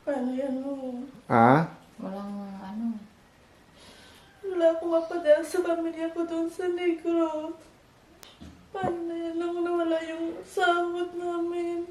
Paano yan mo? Ah? Walang ano. Wala akong mapadala sa pamilya ko doon sa Negros. Paano na yan lang nawala yung sahod namin?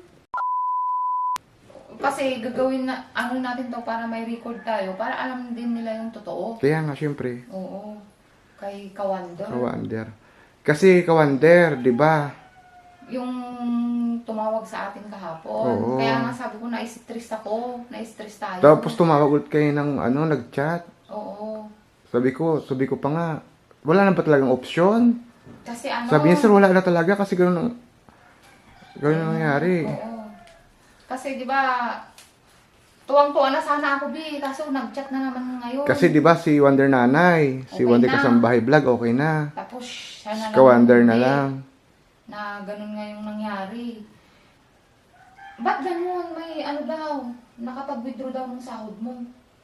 Kasi gagawin na, ano natin to para may record tayo. Para alam din nila yung totoo. Kaya nga, syempre. Oo. Kay Kawander. Kawander. Kasi Kawander, di ba? Yung tumawag sa atin kahapon. Oo. Kaya nga sabi ko, na-stress ako. Na-stress tayo. Tapos tumawag ulit kayo ng nag-chat. Oo. Sabi ko pa nga, wala na ba talagang option? Kasi ano. Sabi niya, sir, wala na talaga kasi gano'n ang nangyari. Oo. Kasi di ba, tuwang-tuwa na sana ako, Bi. Kaso nag-chat na naman ngayon. Kasi di ba si Wonder Nanay, si Okay Wonder na. Kasambahay Vlog, okay na. Tapos siya na Si Kawander na hindi. lang. Na ganun nga yung nangyari. Ba't ganun? May ano daw, nakapag-withdraw daw ng sahod mo.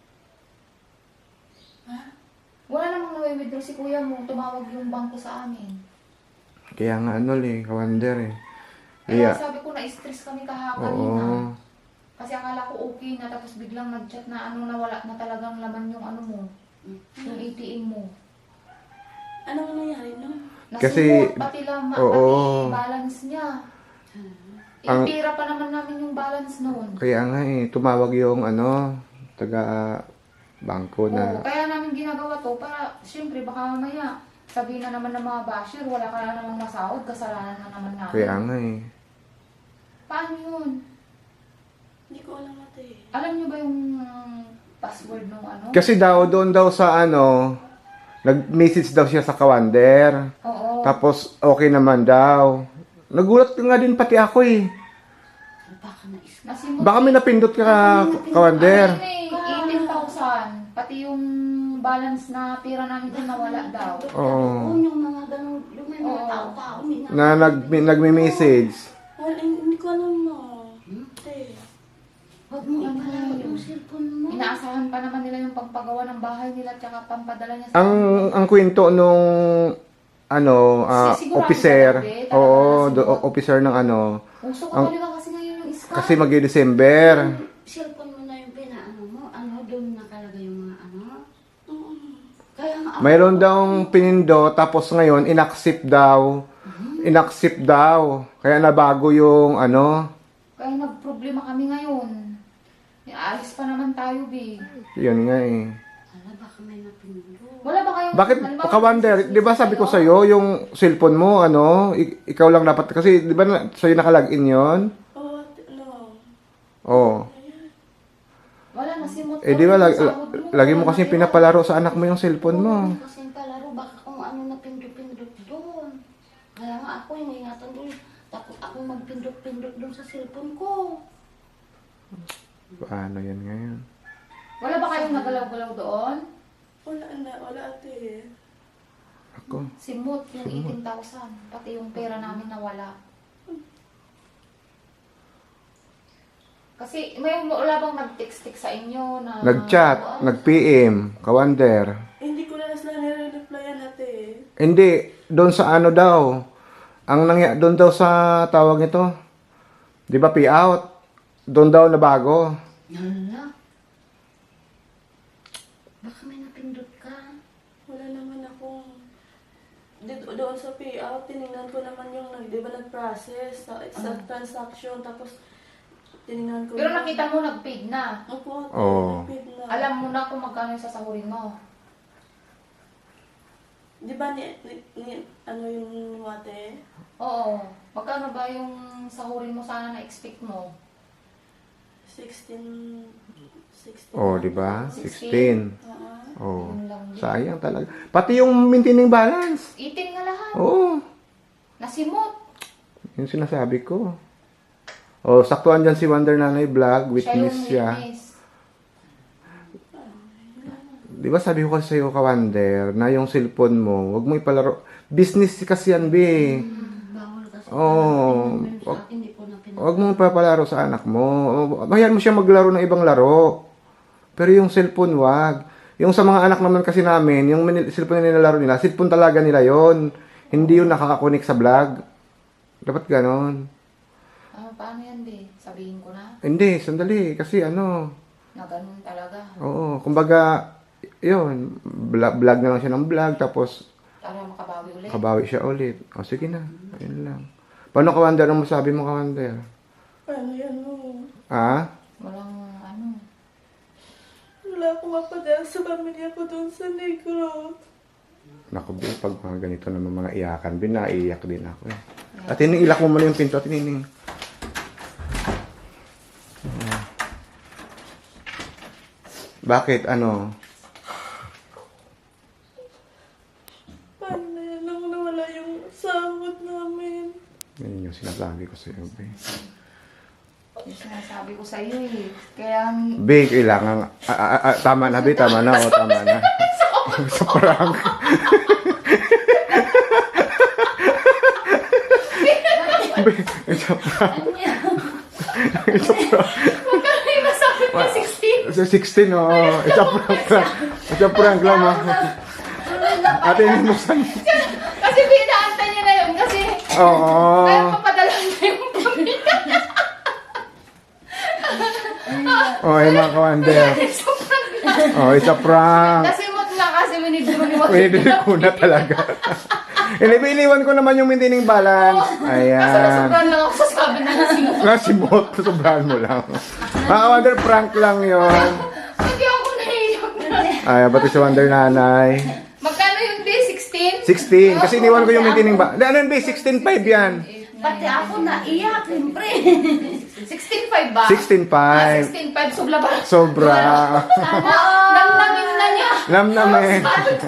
Ha? Wala namang na-withdraw si kuya mo, tumawag yung bangko sa amin. Kaya nga Kawander eh. Kaya Kaya, sabi ko na-stress kami oo. kanina. Kasi akala ko okay na, tapos biglang nag-chat na nawala na talagang laman yung ano mo, yung ATM mo. Anong nangyari no? Kasi, Nasimot, pati lang, oo. pati balance niya. Ang- Pira pa naman namin yung balance noon. Kaya nga tumawag yung taga bangko Oo, na. kaya namin ginagawa to para, syempre, baka mamaya sabihin na naman ng mga basher, wala ka na namang masahod, kasalanan na naman namin. Kaya nga Paano yun? Hindi ko alam ate. Alam niyo ba yung password nung ano? Kasi doon daw sa nag-message daw siya sa Kawander. Oo. Tapos okay naman daw. Nagulat nga din pati ako eh. Baka na-is. Nasimot. Baka may napindot ka Kawander. Ano yun eh, 18,000. Pati yung balance na pira namin doon nawala daw. Oo. Yung mga ganun, yung may mga Oo. tao-tao. Na nagme-message. Wala, hindi ko alam no. Ate. Huwag mo ano Yung cellphone mo. Inaasahan pa naman nila yung pagpagawa ng bahay nila tsaka pampadala niya sa Ang kwento nung Sigurado officer, talaga, talaga oo, nasimot. officer ng Uso ko ang- talaga kasi ngayon yung iska. kasi mag-December. Cellphone mo na yung pinaano mo. Doon nakalagay yung mga ano. Kaya nga ako. Mayroon daw pinindo tapos ngayon inaccept daw. Inaccept daw. Kaya nabago yung Kaya nagproblema kami ngayon. Aalis pa naman tayo, Bi. yun nga eh. Ala, baka may napindot. Wala ba kayong... Bakit halimbawa, Kawander, 'di ba sabi ko sa iyo yung cellphone mo ikaw lang dapat kasi 'di ba sa'yo nakalagin 'yon? Oo, ate, no. Oh. Wala, nasimot. Eh di ba yung sahod lagi mo Wala kasi na pinapalaro sa anak mo yung cellphone mo. Oo, kasi yung palaro, baka kung ano napindot-pindot doon. Kaya nga ako, yung ingatan doon. Takot akong magpindot-pindot doon sa cellphone ko. Paano yan ngayon? Wala ba kayong nagalaw-galaw doon? Wala ate. Ako. Simot, yung 18,000. Pati yung pera namin nawala. Kasi may wala bang nag-text-text sa inyo na... Nag-chat, nag-PM, Kawander. Hindi ko na sila nire-replyan ate. Hindi, doon sa daw. Doon daw sa tawag nito. 'Di ba payout? Doon daw na bago. Hala. Baka may napindot ka. Wala naman akong... Dito, doon sa payout, tinignan ko naman yung, di ba nag-process sa transaction, tapos tinignan ko... Pero nakita mo nag-paid na. Opo, Oo. nag-paid na. Alam mo na kung magkano yung sasahurin mo. Di ba ano yung ate? Oo. Magkano ba yung sahurin mo sana na-expect mo? 16... Oh, 'di ba? 16. 16. Oh. Yun lang din. Sayang talaga. Pati yung maintaining balance. 18 nga lahat. Oo. Nasimot. Yung sinasabi ko. Oh, saktuan dyan si Wonder Nanay Vlog, witness siya. witness. Di ba sabi ko kasi sa'yo, Kawander, na yung cellphone mo, wag mo ipalaro. Business kasi yan, be. Bawal kasi. Oo. Sa akin, hindi ko na pinag... Wag mo ipapalaro sa anak mo. Hayaan mo siya maglaro ng ibang laro. Pero yung cellphone, wag. Yung sa mga anak naman kasi namin, yung cellphone na nilalaro nila, cellphone talaga nila yon. Hindi yung nakakakonik sa vlog. Dapat ganon. Paano yan, be? Sabihin ko na. Hindi, sandali. Kasi Na ganun talaga. Oo, kumbaga, yun, vlog na lang siya ng vlog, tapos Para makabawi ulit. kabawi siya ulit. O, sige na, ayun lang. Paano, Kawander, ang masabi mo, Kawander? Paano yan mo? Ha? Walang ano. Wala akong mapadala sa pamilya ko doon sa Negros. Naku, Bin, pag mga ganito naman mga iyakan, Bin, naiiyak din ako eh. At ilak mo muna yung pinto, tinining. Bakit? Ano? Paano na yan nang nawala yung sahod namin? Yan yung sinasabi ko sa iyo, Bin. Yung sinasabi ko sa iyo eh. Kaya, Bin, kailangan... tama na, Bin. Tama na. O, tama na. Sa prank. Bin, sa prank. Sa prank. magkano yung nasabi mo 16? Sa 16, oo. It's a prank lang. It's a prank lang, ma. Ate, hindi mo san... Kasi pinaantay niya na yun kasi Oo. kaya papadala na yung pamilya. Oh, yung mga Kawander. Sobrang lang. Oh, it's a prank. Kasi mot nga kasi winidro ni Wak. Pinili ko na talaga. Iniwan ko naman yung maintaining balance. Kasi Ayan. sobrang lang ako sa sabi na nasin. Nasimot. Sobrahan mo lang. Mga Kawander, prank lang yon. Hindi ako naiyak na. Ay, pati si Wonder Nanay. Magkano yun, Be? 16? 16. Kasi iniwan ko yung maintaining balance. Ano yun, 16.5 yan. Pati ako naiyak, siyempre. 16.5 ba? 16.5. 16.5, sobra ba? Sobra. Namnamin na niya. Namnamin.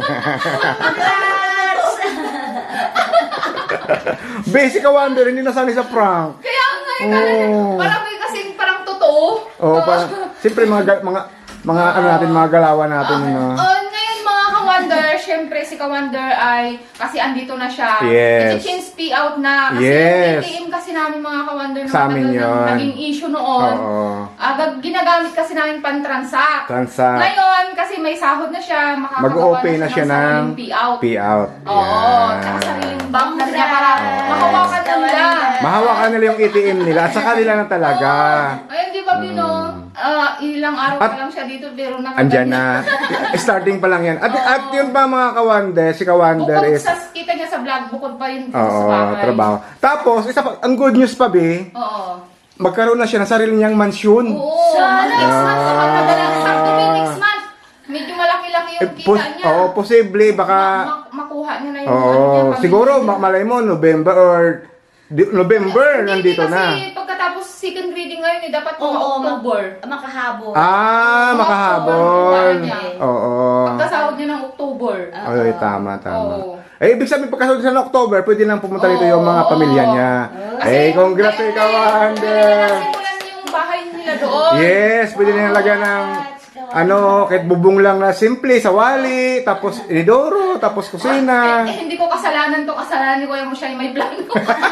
Basic ka Wonder, hindi nasanay sa prank. Kaya nga yun. Oo. Parang may kasing parang totoo. Oo, parang, siyempre mga ano natin, mga galawan natin. Ngayon mga ka-wonder, syempre si ka-wonder ay, kasi andito na siya. Yes. I-change out na. Kasi Yes. yung ATM kasi namin mga ka-wonder na Sa amin matagal yun. nang naging issue noon. Oo. Ginagamit kasi namin pan-transact. Transact. Ngayon, kasi may sahod na siya, makakagawa Mag-o-open na siya ng sariling payout. payout. Oo, tsaka sariling bank na niya para mahawakan na nila. Mahawakan nila yung ATM nila at saka nila na talaga. Ayun, di ba, Bino? Ilang araw pa lang siya dito, pero Andyan na. Starting pa lang yan. At yun pa mga Kawander, si Kawander Bukod is... sa kita niya sa vlog, bukod pa yun dito sa Oo, bahay. trabaho. Tapos, isa pa, ang good news pa, Be, Oo. magkaroon na siya ng sarili niyang mansyon. Oo. Next month, sa magpadala ng sakto may next month. Medyo malaki-laki yung kita niya. Oo, posible, baka... Makuha niya na yung Oo, pamilya. siguro, malay mo, November or... November, nandito kasi na. pagkatapos second reading ngayon, dapat mga Oo, October. makahabol. Makahabol. niya. Oo. Pagkasahod niya ng October. Ay, tama. Oo. Eh, ibig sabihin, pagkasahod siya ng October, pwede lang pumunta rito yung mga Oo. pamilya niya. Eh, congrats kay Kawander. Nasimulan yung bahay nila doon. Yes, pwede na lagyan ng kahit bubong lang na simple, sawali, tapos inidoro, tapos kusina. Hindi ko kasalanan to. Kasalanan ni Kuya mo siya yung may plano.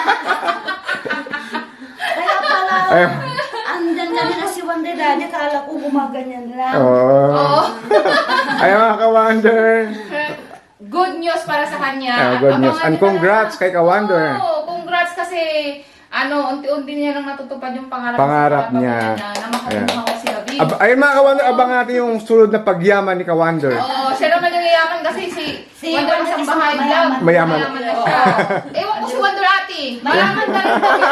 Kaya pala, Ay, andyan kami na si Wonder Daddy, kala ko gumaganyan lang. oh. Ay, mga Kawander. Good news para sa kanya. Good news. Abangan And niyo na congrats lang. kay Kawander. Oo, congrats kasi unti-unti niya nang natutupad yung pangarap Pangarap sa niya. pamilya na makakuha ko si David. Ayun mga Kawander, abang natin yung sunod na pagyaman ni Kawander. Oo, siya naman yung yayaman kasi si Wonder Wonder isang is bahay mayaman. lang. Mayaman. na siya. Ewan ko si Wonder Ate. Mayaman na rin.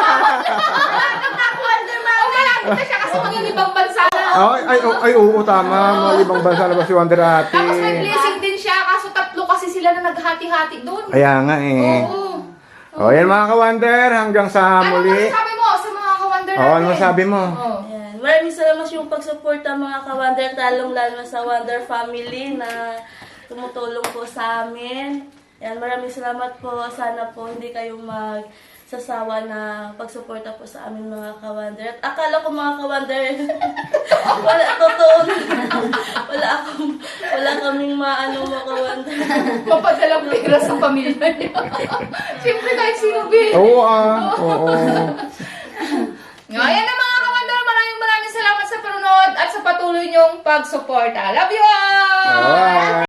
Wonder Oh, malapit na siya kasi maging ibang bansa na. Ay, oo, tama. Mga libang bansa na ba si Wonder Ate? Tapos may blessing din siya kaso tatlo kasi sila na naghati-hati doon. Kaya nga eh. Oo. Yan mga Kawander, hanggang sa Ano muli. masasabi mo sa mga ka-Wonder natin? Ano masabi mo? Oo. Ayan. Maraming salamat yung pagsuporta mga ka-Wonder, talong-lalo sa Wonder Family na tumutulong po sa amin. Ayan, maraming salamat po. Sana po hindi kayo magsasawa na pagsuporta po sa amin mga ka-Wonder. At akala ko mga ka-Wonder, totoo na. Wala kaming maano mga ka-Wonder. Papadalang pera sa pamilya niya. Siyempre kahit sino bin. Oo, oo. Ayan na mga ka-Wonder, maraming salamat sa panunod at sa patuloy niyong pagsuporta. Love you all! Alright.